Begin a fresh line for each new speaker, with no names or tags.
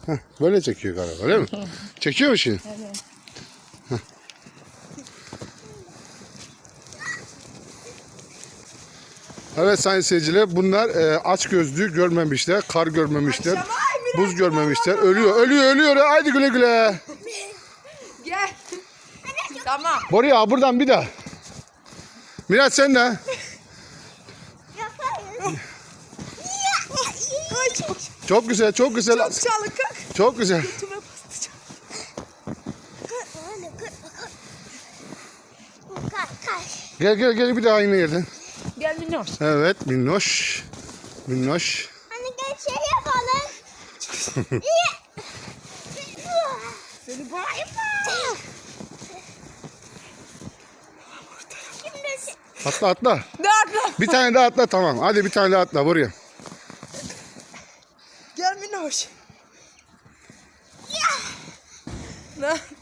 Böyle çekiyor galiba, öyle mi? Çekiyor mu şimdi?
Evet.
Evet sayın seyirciler, bunlar aç gözlü görmemişler, kar görmemişler, buz görmemişler. Ölüyor. Haydi güle güle.
Gel. Tamam.
Buraya buradan bir daha. Miraç sen de.
Ay çok
Çok güzel.
çalıkak.
Çok güzel.
Götüme bastı.
Gel bir daha aynı yerden.
Gel minnoş.
Evet minnoş.
Hani gel şey yapalım.
Seni bağırma.
Atla.
Nerede?
Bir tane daha atla, tamam. Hadi bir tane daha atla buraya.
Gel minnoş. Ne?